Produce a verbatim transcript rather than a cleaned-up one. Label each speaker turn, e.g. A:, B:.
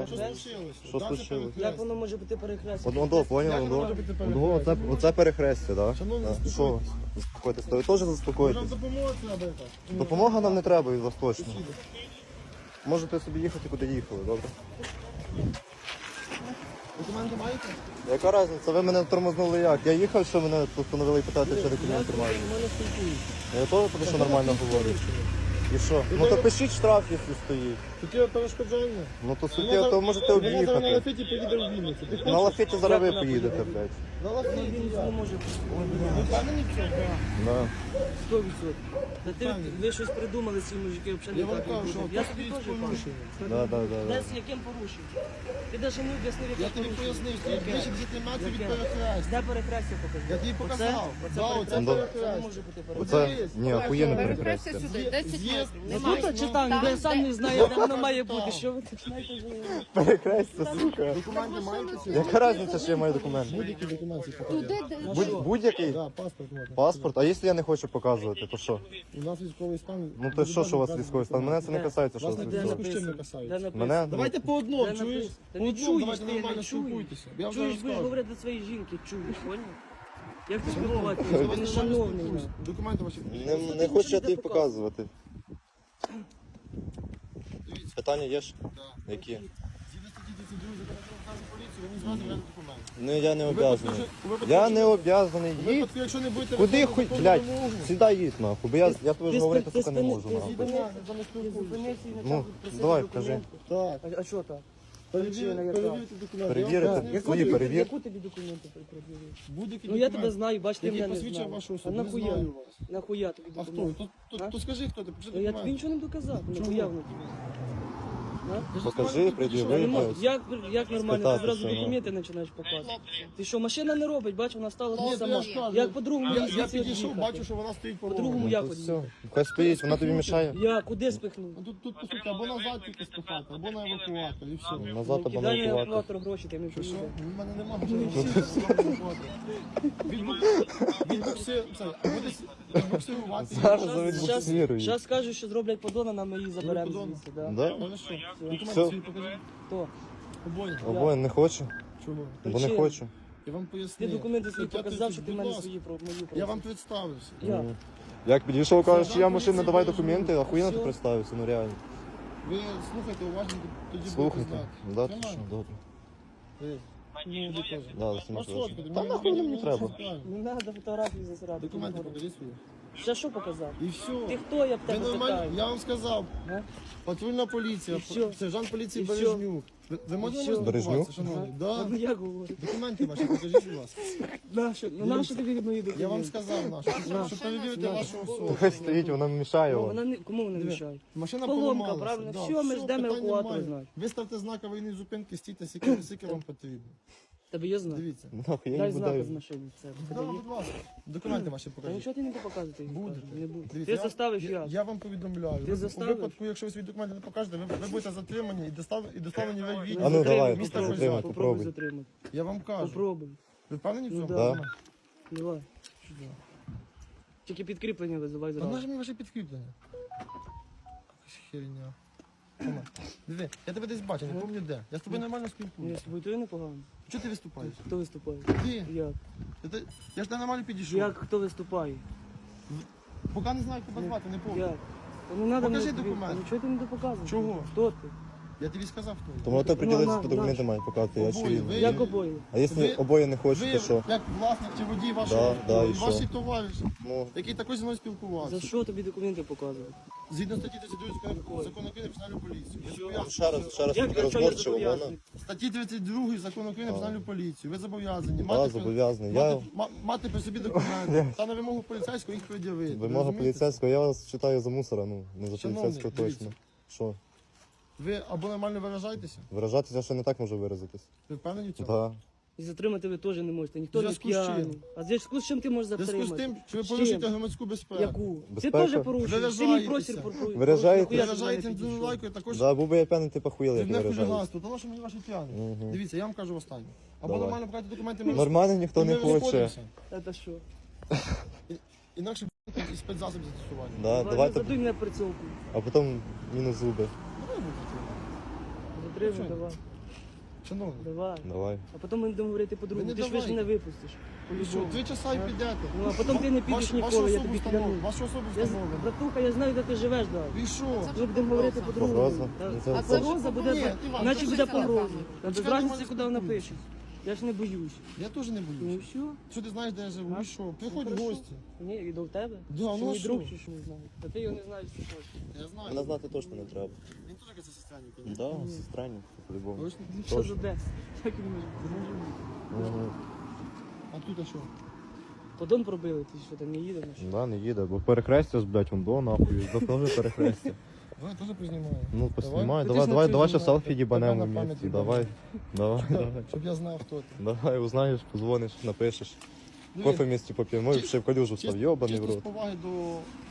A: Що
B: перехрестя?
A: случилося?
C: Що
A: Да, це
C: случилось?
A: перехрестя.
B: Як воно може бути перехрестя?
C: Одно до, поняв,
A: Як
C: одно.
A: може бути
C: Одно, оце, оце перехрестя, так?
A: Шановні,
C: Да?
A: заспокойтесь.
C: Що? Заспокойтесь. Ви теж
A: Може вам
C: заспокойтесь.
A: допомога треба якась?
C: Допомога нам не треба від вас точно. Можете собі їхати, куди їхали, добре?
A: Документи маєте?
C: Яка різниця? Ви мене тормознули як? Я їхав, що мене постановили питати, чи документи
B: Я
C: маю.
B: нормально спілкуюся.
C: Я теж тому що нормально говорю. І що? Ну то пишіть штраф, якщо стоїть.
A: Суттєве перешкоджання.
C: Ну то суттєво, то можете
A: Вона зараз на
C: об'їхати.
A: лафеті поїде в Вінницю. Ти
C: На
A: хочеш?
C: лафеті зараз ви
B: Як вона
C: поїдете,
B: поїде?
C: блядь.
A: На
B: Ну,
A: лафеті.
B: він не може
A: Ви впевнені в цьому?
C: Да.
B: сто відсотків. Та ти, ви щось придумали, ці мужики, взагалі
A: Я
B: не
A: вам
B: так
A: кажу, що
B: робити. Я
A: тут
B: тобі
A: стоїть
B: теж кажу.
A: порушення.
C: Да, да, да, да.
B: Де з яким порушенням? Ти навіть не об'яснив, яке
A: Я тобі
B: порушення.
A: пояснив, що
B: Яке?
A: більше десяти метрів від
B: Яке?
A: перехрестя.
B: Де перехрестя покажи?
A: Я тобі показав.
B: Оце?
A: Да,
B: Оце
A: оце
C: Ну,
B: перехрестя? Це не
A: перехрестя.
B: може бути
C: Оце,
B: перехрестя.
C: ні, охуєнне
D: Перехрестя
C: перехрестя.
D: сюди, десять
A: З'їзд.
D: метрів.
B: Ну
D: Немає.
B: тут читав, я сам не знаю, де воно має бути. Що ви починаєте вже?
C: Перехрестя, сука.
A: Документи маєте?
C: Яка різниця, що я маю документи?
A: Будь-які документи покажіть.
D: Туди, де-
C: Будь- Будь-який?
A: Да, паспорт можна.
C: Паспорт? А якщо я не хочу показувати, то що?
A: У нас військовий стан.
C: Ну то що, що у вас військовий стан? Мене це не касається, що у
A: Вас
C: вас
A: не
C: військовий.
A: написано. Чим не касається?
B: Де написано?
C: Мене?
A: Давайте по одному,
B: Де
A: чуєш?
B: написано? Та
A: По
B: не
A: одному,
B: чуєш,
A: давайте
B: ти
A: нормально
B: не чуєш.
A: спілкуйтеся. Я вже
B: Чуєш, будеш
A: розказую.
B: говорити до своєї жінки, чуєш, поняв? Як ти
A: Шановні,
B: спілкуватися?
A: я
B: Ти
A: вас
B: не
A: нормально
B: шановний.
A: спілкуюся. Документи ваші.
C: Не, не хочу я тобі показувати.
A: Дивіться.
C: Питання є ж?
A: Да.
C: Які?
A: Згідно статті тридцять два закону про національну поліцію, ви не зразу взяти документи.
C: Ну я не
A: У випадку,
C: обязаний.
A: що- у випадку,
C: Я
A: якщо-
C: не обязаний.
A: у
C: Їдь.
A: випадку, якщо не будете
C: Куди
A: виконувати
C: хуй,
A: законну
C: блядь,
A: вимогу,
C: сюди їдь нахуй, бо я, я тобі
B: Ти
C: вже говорити,
B: спи-
C: сука, не
B: ти
C: можу
B: спини-
C: нахуй.
B: ти
A: зупиняйся, за не
B: Ти
A: спілкуйся.
B: зупинився і
C: Ну,
B: почав просити
C: давай,
B: документи.
A: Так.
B: А, а що так?
A: Перевірте
B: Причина яка?
A: перевірте документи.
C: Перевірити?
A: Я вам
C: Яку
A: поясню.
C: свої
B: тобі-
C: перевір.
B: Яку тобі документи пред'явив?
A: Будь-які
B: Ну я тебе
A: документи,
B: знаю, бач, ти
A: які
B: мене не
A: посвідчує
B: знаєш.
A: вашу
B: А
A: особу. Не
B: нахуя?
A: знаю вас.
B: Нахуя тобі
A: А хто?
B: документи?
A: То, то,
B: А?
A: то скажи, хто ти, покажи
B: Ну, я тобі
A: документи.
B: нічого не доказав,
A: Чому?
B: нахуя воно тобі? А?
C: Покажи,
B: Я не
C: пред'яви,
B: можу.
C: блядь.
B: Як, як нормально, ти
C: Спитати,
B: зразу
C: що, ну.
B: документи починаєш показувати? Ти що, машина не робить, бач, вона стала
A: Ні,
B: тут
A: то
B: сама.
A: я ж кажу.
B: Як по-другому
A: Я, я
B: звідси
A: підійшов,
B: від'їхати?
A: бачу, що вона стоїть по
B: По-другому
A: дорогу.
B: як
C: Ну,
B: від'їхати?
C: все. Хай стоїть, вона тобі мішає.
B: Я куди спихнув?
A: Ну, Тут, тут, по суті, або назад тільки спихати, або на евакуатор, і все.
C: Назад або на
B: Дай мені
C: евакуатор.
B: евакуатор гроші, ти мені
A: Що?
B: поїде.
A: У мене немає Відбуксирувати.
C: Зараз
B: Щас,
C: завідбуксирую.
B: щас скажуть, що зроблять подона, нам ми її заберемо
A: подон?
B: звідси. Да.
C: Да?
A: Хорошо. Документи
C: Все.
A: свої покажи.
B: Хто?
A: Обоє.
C: Обоє не хочу,
A: Чого?
C: бо не
B: Причина.
C: хочу.
A: Я вам
B: Ти
A: пояснив.
B: документи свої
A: Стаття
B: показав, що
A: тридцять,
B: ти в
A: будь
B: мене
A: ласка.
B: свої про мою
A: Я вам
B: просив.
A: представився.
B: Я.
C: Як підійшов, кажеш, що я
A: Сержант
C: машина, давай
A: поліції
C: документи, охуєнно ти
B: Все.
C: представився, ну реально.
A: Ви слухайте уважно, тоді будете
C: Слухайте.
A: знати.
C: Да, ти
A: Тримай.
C: що, добре.
A: Ви. Ну, ви теж.
C: Да, за сама
A: Маршрутку,
C: Та
A: мені-
C: нахуй
A: мені
C: мені
A: не
C: треба.
A: цікаво.
B: Не треба фотографії засирати.
A: Документи покажіть свої.
B: Ще що показав?
A: І все.
B: Ти хто, я б
A: Ви
B: тебе
A: нормально,
B: питаю?
A: я вам сказав.
B: А?
A: Патрульна поліція,
B: І що?
A: сержант поліції
B: І що?
A: Бережнюк. Ви, ви можете
B: що?
A: мене спілкуватися,
C: Бережнюк?
A: шановний?
B: А,
A: Да.
B: Ну як говорю?
A: Документи ваші покажіть, будь ласка.
B: Нащо? Ну нащо тобі мої документи?
A: Я вам сказав, нашу, щоб, щоб перевірити
B: На.
A: вашу особу.
C: Хай стоїть, вона мішає
B: Ну,
C: вам.
B: вона не, кому вона
A: Диви,
B: мішає?
A: Машина
B: Поломка,
A: поламалася.
B: правильно?
A: Да,
B: Все, ми ждемо
A: питань
B: евакуатора,
A: немає.
B: знаю.
A: Виставте знак аварійної зупинки, стійте, скільки, скільки вам потрібно.
B: Тебе є знак?
A: Дивіться.
C: Нахуй, я
B: Дай
C: не
B: знак
C: буду.
B: з машини. Все.
A: Да,
B: Тебе є?
A: будь ласка. Документи ваші
B: Та
A: покажіть.
B: нічого ти не буду показувати. їх
A: Будете.
B: покажу, Не буду.
A: Дивіться,
B: Ти
A: я-
B: заставиш
A: я,
B: я.
A: я вам повідомляю.
B: Ти
A: Ви-
B: заставиш?
A: У випадку, якщо ви свої документи не покажете, ви, ви будете затримані і доставлені, і доставлені в
B: Ну,
A: відділ.
C: А ну, давай,
A: міста
C: попробуй,
A: Козяк.
C: попробуй.
B: Попробуй затримати.
A: Я вам кажу.
B: Попробуй.
A: Ви впевнені в
B: Ну,
A: цьому?
B: да.
C: Да.
B: Давай. Тільки підкріплення визивай
A: Вона
B: зразу.
A: ж мені ваше підкріплення. Якась херня. Тома, диви, я тебе десь бачу, не пам'ятаю де. Я з тобою нормально
B: Ні,
A: спілкуюся.
B: з тобою то непогано.
A: Чого ти виступаєш?
B: Хто виступає?
A: Ти?
B: Як?
A: Я, те- я ж тебе нормально підійшов.
B: Як хто виступає?
A: Поки не знаю, як тебе звати, не помню.
B: Як? Та не треба
A: Покажи
B: мені тобі-
A: документи.
B: Ну чого ти не допоказуєш?
A: Чого?
B: Хто ти?
A: Я тобі сказав, хто. я.
C: Тому ти
B: на,
C: приділитися,
B: на.
C: то документи мають показати, я
A: Обоє,
C: очевидно.
A: ви-
B: Як обоє?
C: А якщо
A: Ви-
C: обоє не хочуть,
A: Ви,
C: то що?
A: як власник чи водій вашого,
C: Да, да, і
A: авто, ваші
C: що?
A: товариші,
C: Ну,
A: який також зі мною спілкувався.
B: За що тобі документи показувати?
A: Згідно статті тридцять два закону закону України про національну поліцію. Ви
C: вам
A: зобов'язані-
C: ще раз, ще раз
B: Як
C: таки
B: якщо я
C: розборчиво, вона.
B: зобов'язаний?
A: Статті тридцять два закону України про національну поліцію. Ви зобов'язані
C: Да,
A: мати, при-
C: зобов'язаний. Я-
A: мати, ма- мати при собі документи та на вимогу поліцейського їх пред'явити. Ви
C: Вимога
A: розумієте?
C: поліцейського, я вас читаю за мусора, ну, не за
A: Шановний,
C: поліцейського
A: дивіться.
C: точно. Що?
A: Ви або нормально виражаєтеся,
C: Виражатися ще не так можу виразитись.
A: ви впевнені в цьому?
C: Да.
B: І затримати ви теж не можете. Ніхто
A: В
B: не
A: зв'язку з чим?
B: п'яний. А в зв'язку з чим ти можеш
A: В зв'язку
B: затримати?
A: з тим, що ви
B: З
A: порушуєте
B: чим?
A: громадську безпеку.
B: Яку? Ти
C: Безпека?
B: теж порушуєш. Ти мій
A: Виражаєтеся.
B: простір порушуєш.
C: Виражаєте?
B: Нахуя ти до мене
A: Виражаєте
B: підійшов?
A: інтелектуальною також.
C: Да, був би я п'яний, ти похуїли, як
A: Дрібне
C: виражаюсь.
A: хуліганство, тому що мені ваші п'яні.
C: Мгм.
A: Дивіться, я вам кажу останнє. Або
C: Давай.
A: нормально покажете документи, ми
C: Нормально ніхто
A: і
C: не
A: ми
C: хоче.
A: розходимося.
B: Це що?
A: Інакше і спецзасіб застосування.
C: Да,
B: Давай,
C: давайте,
B: задуй мене прицілку.
C: а потім мінус зуби.
A: Давай будете.
B: Затримуй,
A: Що?
B: давай.
A: Шановний.
B: Давай.
C: Давай.
B: А потім ми будемо говорити
A: Ви
B: по-другому.
A: не
B: Ти ж ви ж
A: давайте.
B: не випустиш.
A: Ви що,
B: По-любому.
A: три часа і
B: А?
A: підете.
B: Ну, а потім ти не підеш
A: Ваш-
B: ніколи,
A: вашу
B: я
A: особу
B: тобі
A: встановлено.
B: клянусь.
A: Вашу особу
B: Я,
A: встановлено.
B: братуха, я знаю, де ти живеш, да.
A: Ви що?
B: Ми будемо говорити по-другому.
C: Погроза?
B: Да.
C: Ну, це-
B: А
C: це-
B: погроза буде,
A: Ні, Іван,
B: наче
A: це
B: буде
A: ж
B: погроза.
A: телефон.
B: Та без
A: Чекайте,
B: разниці,
A: може,
B: куди вона
A: спілкуємося.
B: пише. Я ж не боюсь.
A: Я теж не
B: Ну
A: боюсь.
B: все.
A: Що ти знаєш, де я живу?
B: А?
A: І що? Приходь
B: Ну,
A: в
B: хорошо.
A: гості.
B: Ні, і до тебе?
A: Да,
B: Що
A: ну а
B: мій
A: що?
B: друг, чи що не знаю. А ти його не знаєш, що хочеш.
A: Я знаю.
C: Мене знати точно не треба.
A: Він теж якась сестряник. ні?
C: Да, сестрані, по-любому.
A: Точно?
B: Ну що за де? Як він може бути?
C: Мгм.
A: А тут а що?
B: Подон пробили, ти що там не їдеш?
C: Да, не їде, бо перехрестя, блядь, вон до нахуй, запнули перехрестя.
A: Давай теж познімаю.
C: Ну, поснімай,
A: Давай.
C: давай,
A: Ти
C: давай,
A: ж
C: давай
A: на
C: ще
A: цю
C: селфі
A: знімай.
C: їбанемо
A: Тебе на
C: вместе,
A: пам'ять
C: давай, давай,
A: Чекай,
C: давай.
A: щоб я знав, хто ти.
C: Давай, узнаєш, позвониш, напишеш.
A: Диви,
C: Кофе вместе поп'ємо,
A: Чи-
C: ще в калюжу став,
A: чис-
C: йобаний в
A: чисто з
C: рот.
A: поваги до